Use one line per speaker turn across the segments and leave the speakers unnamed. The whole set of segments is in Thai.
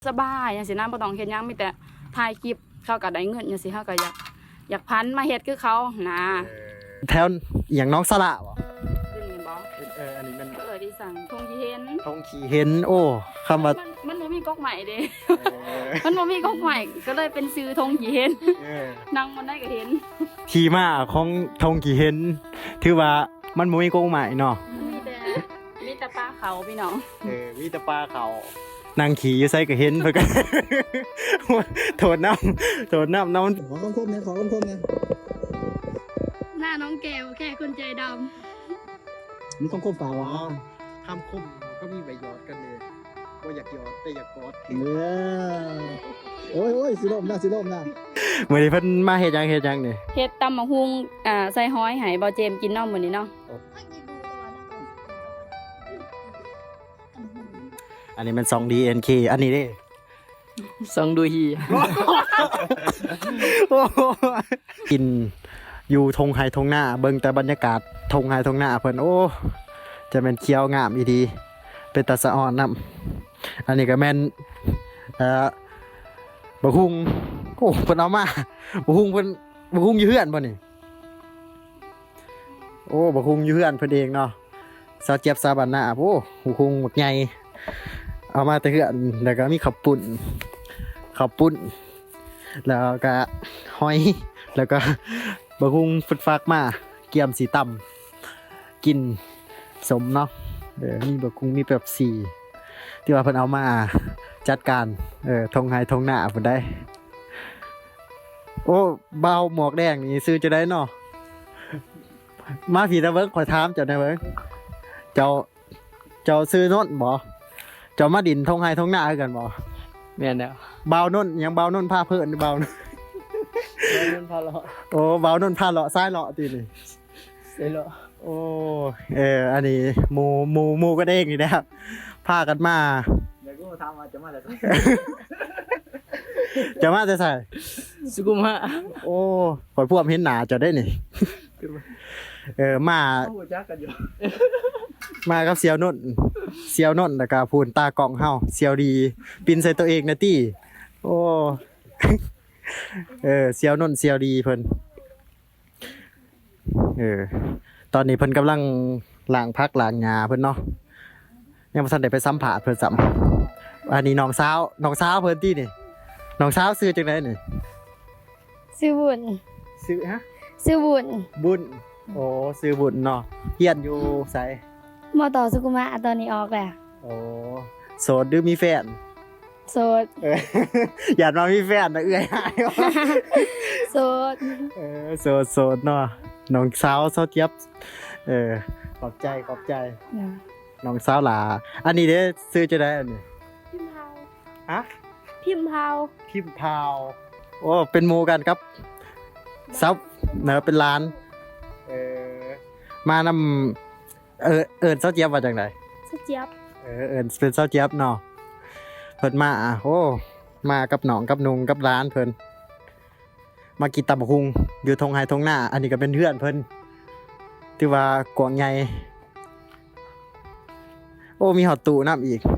สบายอย่างสินะบ่ต้องเฮ็ดหยังมีแต่ถ่ายคลิปเขาก็ได้เงินจังซี่เฮาก็อยากพันมาเฮ็ดคือเขานะ
แถวอย่างน้องสละบ่
อยู่นี่บ่
อันนี้มัน
ที่สั่งทงขี้เห็น
ทงขี้เห็นโอ้คำว่า
มันบ่มีก๊อกใหม่เด้มันบ่มีก๊อกใหม่ก็เลยเป็นชื่อทงขี้เห็นนั่งมันได้ก็เห็น
ที่มาของทงขี้เห็นถือว่ามันบ่มีกงใหม่เนาะ
มีแต่ปลาเขาพี่น้อง
มีแต่ปลาเขานางขี่อยู่ไสก็เห็นเพิ่นก็โทษน้ำ
ขอคมเนี่ย
หน้าน้องแก้วแค่คนใจด
ำมีคมฝาวะ
คำคมก็มีใบยอดกันเลยก็อยากยอดแต่อยากกอด
โอ้ยสิลมนะ
มื้อนี้เพิ่นมาเฮ็ดหยังนี่
เฮ็ดตำบักหุ่งใส่ห้อยให้บ่เจมกินเนาะมื้อนี้เนาะ
อันนี้มัน 2DNK อันนี้เด้
2ดูฮี
กินอยู่ทงไฮทงหน้าเบิ่งแต่บรรยากาศทงไฮทงหน้าเพิ่นโอ้จะเป็นเคี้ยวงามอีดีเป็นตาสะอ่อนนำอันนี้ก็แม่นบะฮุงโอ้เพิ่นเอามาบะฮุงอยู่เฮือนบ่นี่โอ้บะฮุงอยู่เฮือนเพิ่นเองเนาะซาเจี๊ยบซาบันนาโอ้บะฮุงหมดใหญ่เอามาแต่เฮือนแล้วก็มีข้าวปุ้นแล้วก็หอยแล้วก็บะฮุงฟึดฟักมาเกี๊ยมสีต่ำกินสมเนาะมีบะฮุงมีแบบสีที่ว่าเพิ่นเอามาจัดการทงไฮทงหน้าเพิ่นได้โอ้เบาหมวกแดงนี่ซื้อจะได้เนาะมาผีตะเบิกขอถามเจ้าได้เบิ่งเจ้าซื้อโน่นบ่เจ้ามาดินทงไฮทงหน้าคือกันบ่
แม่นแล้ว
เบาโน่นยังเบาโน่นพาเพิ่นเบาโน่น
พาเลาะ
โอ้เบาโน่นพาเลาะซ้ายเลาะตินี่
ซ้ายเลาะ
โอ้อันนี้หมู่ก็เด้งนี่นะครับพากันมา
เดี๋ยวกูถามว่าจะมาแต่
ใส่
สุกุมะ
โอ้ข่อยพวกเห็นหน้าเจ้าได้นี่มากับเสี่ยวนุ่นแล้วก็พูนตากล้องเฮาเสี่ยวดีปินใส่ตัวเองนะตี้โอ้เสี่ยวนุ่นเสี่ยวดีเพิ่นตอนนี้เพิ่นกำลังล้างผักล้างหญ้าเพิ่นเนาะยังบ่ทันได้ไปสัมภาษณ์เพิ่นซ้ำอันนี้น้องสาวเพิ่นตี้นี่น้องสาวชื่อจังได๋นี่
ชื่อบุญ
ชื่อฮะ
ชื่อบุญ
โอ้ชื่อบุญเนาะเฮียนอยู่ไส
มอต่อสุกุมะตอนนี้ออกแล้ว
โอ้โสดหรือมีแฟน
โสด
อยากมามีแฟนนะเอื้อยหาย
โสด
โสดเนาะน้องสาวเจี๊ยบขอบใจน้องสาวหลาอันนี้เด้ซื้อจะได้อันนี้
พิมพ์เผา
ฮะ
พิมพ์เผา
โอ้เป็นหมู่กันครับซับเนอะเป็นร้านมานำเซาเจี๊ยบว่าจังได๋
เซาเจี๊ยบ
เป็นเซาเจี๊ยบเนาะเพิ่นมาโอ้มากับน้องกับนุงกับร้านเพิ่นมากินตำบักหุ่งอยู่ทงไฮทงหน้าอันนี้ก็เป็นเพื่อนเพิ่นที่ว่ากวางใหญ่โอ้มีฮอตตู้น้ำอีก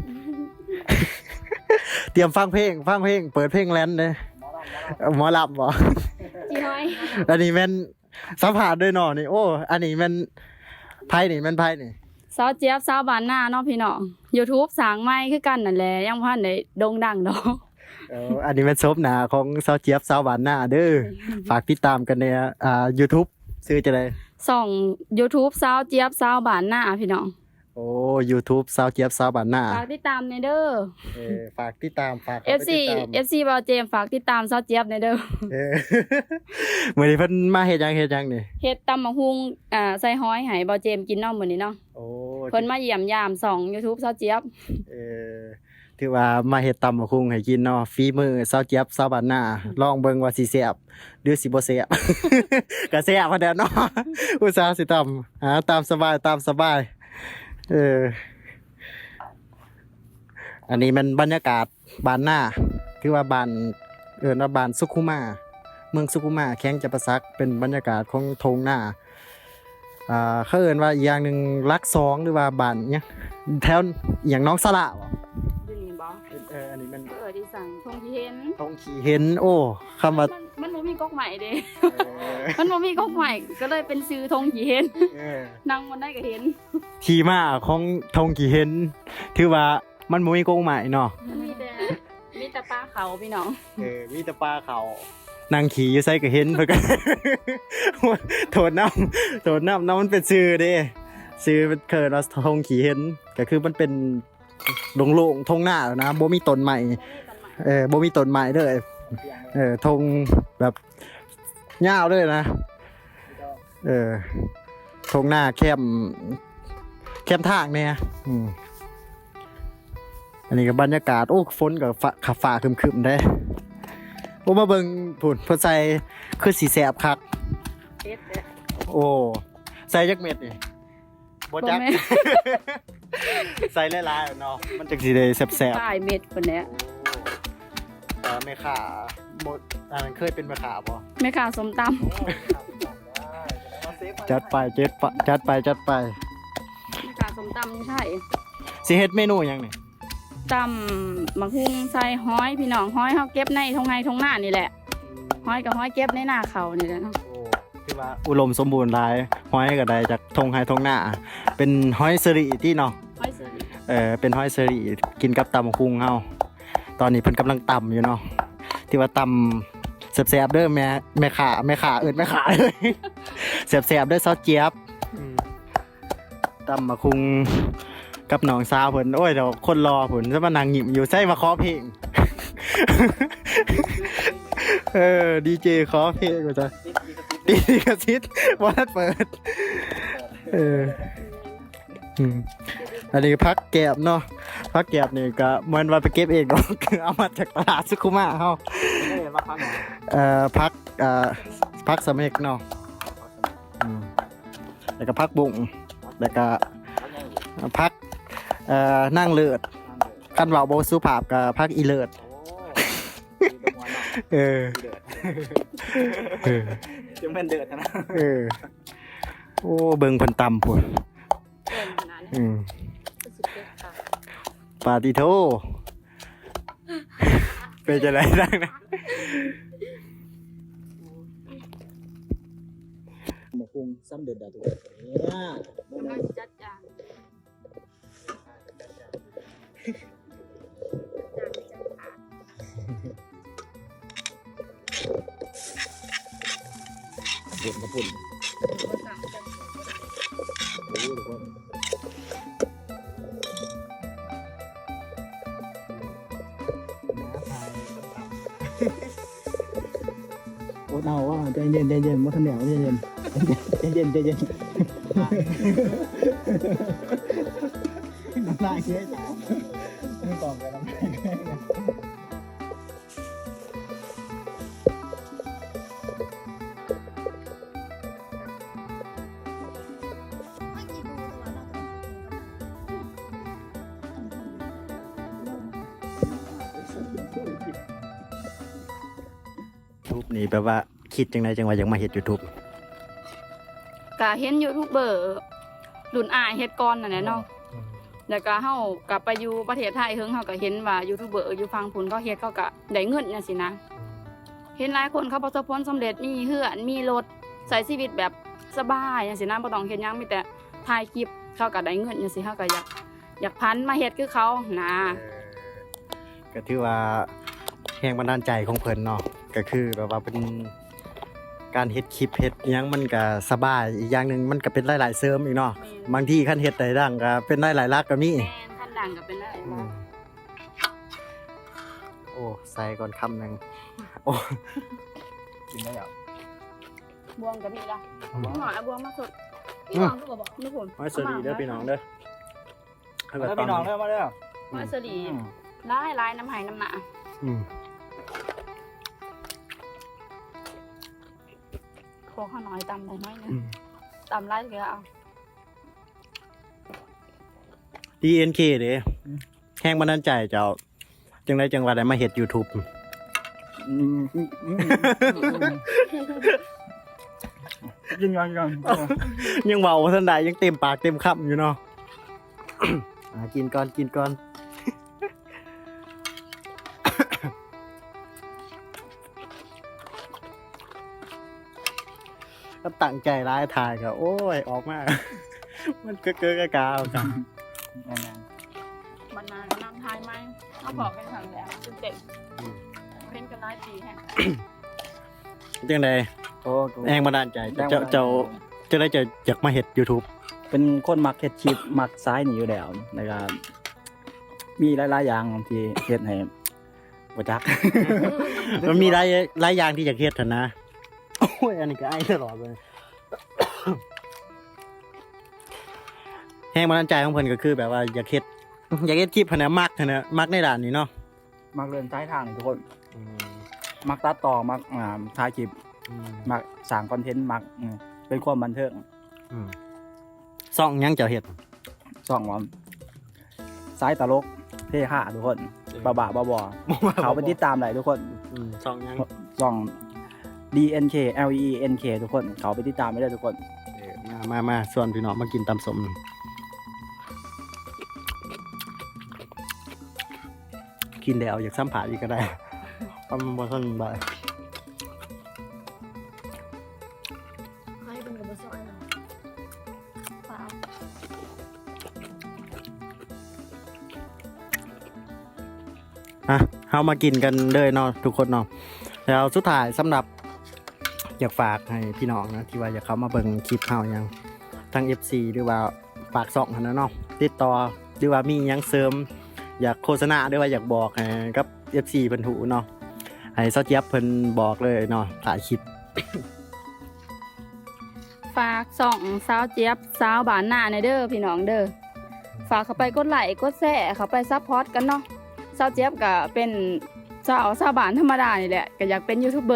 เตรียมฟังเพลงเปิดเพลงแลนด์เลยหมอลำบ่
จีน้อย
อันนี้แม่นสัมภาษณ์ด้วยเนาะนี่โอ้อันนี้แม่นไผนี่
สาวเจี๊ยบสาวบ้านนาเนาะพี่น้อง YouTube สร้างใหม่คือกันนั่นแหละยังบ่ทันได้โด่งดังดอก
อันนี้เป็นซบหน้าของสาวเจี๊ยบสาวบ้านนาเด้อฝากติดตามกันในYouTube ชื่อจะได้
ช่อง YouTube สาวเจี๊ยบสาวบ้านนาพี่น้อง
โอ้ YouTube สาวเจี๊ยบสาวบ้านนา
ฝากติดตามในเด้อ
ฝากติดตาม
FC บอเจมฝากติดตามสาวเจี๊ยบในเด้อ
มื้อนี้เพิ่นมาเฮ็ดหยังนี่
เฮ็ดตำบักหุ่งใส่ห้อยให้บอเจมกินเนาะมื้อนี้เนาะ
โอ้
เพิ่นมาเยี่ยมยาม2 YouTube สาวเจี๊ยบ
ถือว่ามาเฮ็ดตำบักหุ่งให้กินเนาะฝีมือสาวเจี๊ยบสาวบ้านนาลองเบิ่งว่าสิแซ่บหรือสิบ่แซ่บก็แซ่บพอแล้วเนาะอุตส่าห์สิตำตามสบายอันนี้มันบรรยากาศบ้านหน้าคือว่าบ้านว่าบ้านสุขุมาเมืองสุขุมาแข้งจำปาสักเป็นบรรยากาศของทงหน้าเขาเอิ้นว่าอีกอย่างนึงรัก2หรือว่าบ้านเนี่ยแถวอย่างน้องสละบ่
อยู่นี่บ่
อันนี้มัน
ที่สั่งทงที่เห็น
ทงขี่เห็นโอ้คำว่า
มันบ่มีก๊กใหม่เด้ มันบ่มีก๊กใหม่ก็เลยเป็นชื่อทงที่เห็นนั่งบนได้ก็เห็น
ทีมาของทงขี่เห็นถือว่ามันบ่มีกงใหม่เนาะ
มันมีแต่ปลาเขาพี่น้อง
มีแต่ปลาเขานางขี่อยู่ไสก็เห็นเพิ่นก็ โทษน้ำมันเป็นชื่อเด้ชื่อมันเกิดว่าทงขี่เห็นก็คือมันเป็นโล่งๆทงหน้าแล้วนะบ่มีต้นใหม่บ่มีต้นใหม่เลยทงแบบยาวเลยนะทงหน้าแคมทางเนี่ยอันนี้ก็บรรยากาศโอ้ฝนกับฟ้าครึมๆได้โอ้มาเบิ่งพุ่นเพิ่นใส่คือสีแสบคัก
เอ็ดเด้อ
โอ้ใส่จักเม็ดนี่บ่จัก
บ่แม่น
ใส่หลายๆเนาะมันจังสิได้แซ่บ
ปลายเม็ดคนเนี้ย
ๆแม่ค้าบ่อันนั้นเคยเป็นแม่ค้าบ่
แม่ค้าส้มตำ
จัดไปแม่
ค้าส้มตำใช่
สิเฮ็ดเมนูหยังนี่
ตำบักฮุ่งใส่ห้อยพี่น้องห้อยเฮาเก็บในทงหน้านี่แหละห้อยกับห้อยเก็บในหน้าเขานี่แหละเนาะ
โอ้คือว่าอุดมสมบูรณ์หลายห้อยก็ได้จากทงไห้ทงหน้าเป็นห้อยสรีที่เนาะ
ห้อยซื้อ
เป็นห้อยสรีกินกับตำบักหุ่งเฮาตอนนี้เพิ่นกำลังตำอยู่เนาะที่ว่าตำแซ่บๆเด้อแม่ขาเอิ้นแม่ขาเลย แซ่บๆเด้อซอสเจี๊ยบตำบักหุ่งกับน้องสาวเพิ่นโอ้ยเดี๋ยวคนรอเพิ่นจะมานั่งหยิบอยู่ใส่มาขอเพลง ดีเจขอเพลงว่าจ้ะดีกระซิดบ่ทันเปิดอันนี้พักแกบเนาะพักแกบนี่ก็เหมือนว่าไปเก็บเองเนาะ คือเอามาจากตลาดสุขุมะเฮาพักสะเม็กเนาะแล้วก็พักบุ้งแล้วก็พักนั่งเลิศคันเว้าบ่สุภาพก็พักอีเลิศ
จึงเป็นเดือดนะ
โอ้เบิ่งเพิ่นตำพุ่น
เกินขนาดนี้สุดเด็ดค่ะ
ปาติโทเป็นจะไรดังนะ
หมกกุ้งซ้ำเดือดตัวเนี่ย
ก็จัดจาน
เดือดกระปุ่นโอ้เอาว่าใจเย็นมาทำแนวใจเย็นน้ำลายเยอะจ้าไม่ตอบกันน้ำลาย
ทูบนี่แปลว่าคิดจังไดจังว่าอยากมาเฮ็ด YouTube
ก็เห็นยูทูบเบอร์รุ่นอ้ายเฮ็ดก่อนนั่นแหละเนาะแล้วก็เฮากลับไปอยู่ประเทศไทยเฮิงเฮาก็เห็นว่ายูทูบเบอร์อยู่ฝั่งพุ่นเขาเฮ็ดเขาก็ได้เงินจังซี่นะเห็นหลายคนเขาประสบผลสำเร็จมีเฮือนมีรถใช้ชีวิตแบบสบายจังซี่นะบ่ต้องเฮ็ดหยังมีแต่ถ่ายคลิปเขาก็ได้เงินจังซี่เฮาก็อยากพันมาเฮ็ดคือเขานะ
ก็ถือว่าแรงบันดาลใจของเพิ่นเนาะก็คือแบบว่าเป็นการเฮ็ดคลิปเฮ็ดอิหยังมันก็สบายอีกอย่างหนึงมันก็เป็นหลายๆเสริมอีกเนาะบางทีคันเฮ็ดได้ดังก็เป็นหลายๆลักก็มี
แม่นคันดังก็เป็นได้บ่
โอ้ใส่ก่อนคำหนึงโอ้กินได้อ่ะ
บวงก็มีละบวงหน่อยเอาบวงมาสดพี่บวงก็บอกนี่ผม
มาสวัสดีเด้อพี่น้องเด้อ
พี่น้องเริ่มมาแล้ว
มาสลีหลายน้ำไหน้ำหนา โคข้าวน้อยตำได้น้อยนึงตำไรก็เอา
DNK เด้แห้งบันดาลใจเจ้าจังไดจังว่าได้มาเฮ็ด YouTube
ยัง
ยังเว้าบ่ทันได้ยังเต็มปากเต็มคำอยู่เนาะ กินก่อนก็ตั้งใจร้ายถ่ายก็โอ้ยออกมา มันเก้อกาๆกัน
นั่น
บรรณาก็นำทายไหมเขาบอกเป็นครั้งแรกจนเด็กเล่นกันหลายปีแฮะ
จังได
ๆโอ้
แรงบันดาลใจเจ้าจะได้อยากมาเฮ็ด YouTube
เป็นคนมักเฮ็ดคลิปมักซ้ายนี่อยู่แล้วนะครับมีหลายๆอย่างที่เฮ็ดให้บ่จัก
มันมีหลายอย่างที่อยากเฮ็ดหั่นนะโอ้ยอันนี้ก็ไอ้ตลอดเลยแรงบันดาลใจของเพิ่นก็คือแบบว่าอยากเฮ็ดคลิปหั่นนะมักหั่นนะมักในด้านนี้เนาะ
มักเดินซ้ายทางนี่ทุกคน มักตัดต่อมักถ่ายคลิปมักสร้างคอนเทนต์มักเป็นความบันเทิง
ซ่องหยังเจ้าเฮ็ด
ส่องว่าซ้ายตลกเท่ห้าทุกคนบ้าๆบอๆเขาไปติดตามได้ทุกคน
ซ่องหยัง
ส่อง DNK LENK ทุกคนเขาไปติดตามไม่ได้ทุกคน
มาส่วนพี่น้องมากินตำสมกินแล้วอยากซ้ำผ่าอีกก็ได้เพราะมันบ่ทันบ่าย
ใครเป็นกับบซอยนะเปล่า
เฮามากินกันเลยเนาะทุกคนเนาะแล้วสุดท้ายสำหรับอยากฝากให้พี่น้องนะที่ว่าอยากเข้ามาเบิ่งคลิปเฮายังทั้ง FC หรือว่าฝากซ่องหั่นนะเนาะติดต่อหรือว่ามีหยังเสริมอยากโฆษณาหรือว่าอยากบอกให้กับ FC เพิ่นหูเนาะให้เซาเจี๊ยบเพิ่นบอกเลยเนาะถ่ายคลิป
ฝากส่องสาวเจี๊ยบสาวบานหน้าในเด้อพี่น้องเด้อฝากเข้าไปกดไลค์กดแชร์เข้าไปซัพพอร์ตกันเนาะสาวเจี๊ยบก็เป็นสาวบานธรรมดานี่แหละก็อยากเป็นยูทูบเบอร์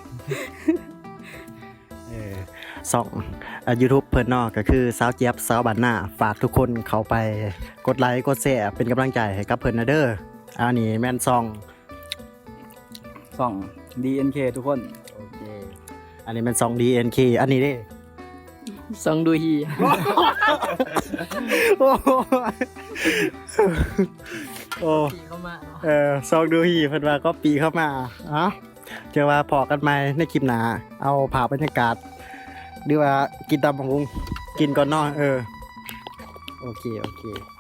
ซ่องYouTube เพิ่นเนาะก็คือสาวเจี๊ยบสาวบ้านนาฝากทุกคนเข้าไปกดไลค์กดแชร์เป็นกำลังใจให้กับเพิ่นนะเด้ออันนี้แม่นซ่อง
ส่อง DNK ทุกคน
โอเคอันนี้แม่นซ่อง DNK อันนี้เด้
ส่องดูฮี
โอ้โอ้
เข้ามา
ซองดูฮีเพิ่นว่าก็ปีเข้ามาเจอว่าพอกันใหม่ในคลิปหน้าเอาภาพบรรยากาศหรือว่ากินตำบักหุ่งกินก่อนเนาะโอเค